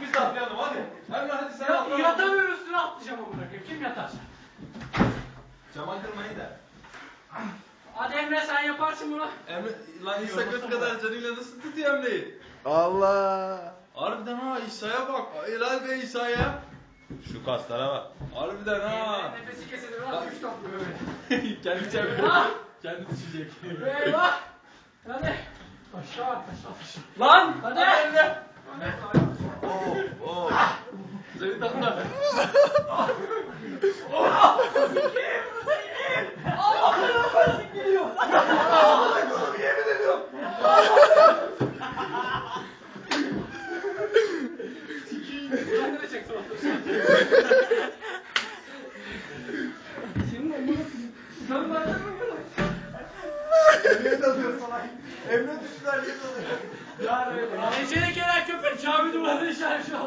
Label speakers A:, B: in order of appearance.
A: biz de atlayalım hadi. Emre hadi sen atla.
B: Yatamıyorum üstüne atlayacağım amına koyayım. Kim yatar?
A: Cama kırmayın da.
B: Hadi Emre sen yaparsın bunu.
A: Emre lan İshak kadar canıyla nasıl tutuyor Emre'yi?
C: Allah.
A: Harbiden ha İsa'ya bak. Helal be İsa'ya. Şu kaslara bak. Harbiden ha.
B: Nefesi kesilir lan 3 top böyle.
A: Kendi çeviriyor. Kendi düşecek.
B: Eyvah. Hadi. Aşağı at aşağı.
A: Lan!
B: Hadi.
A: Emre.
C: Oh, oh.
A: Seni tatlı.
B: Kendine çek sonra. Senin amına sen nereden mi
C: Emre dalıyor salak. Emre düştüler niye dalıyor?
B: Ece'ye gelen köpek cami duvarına işaret şu an.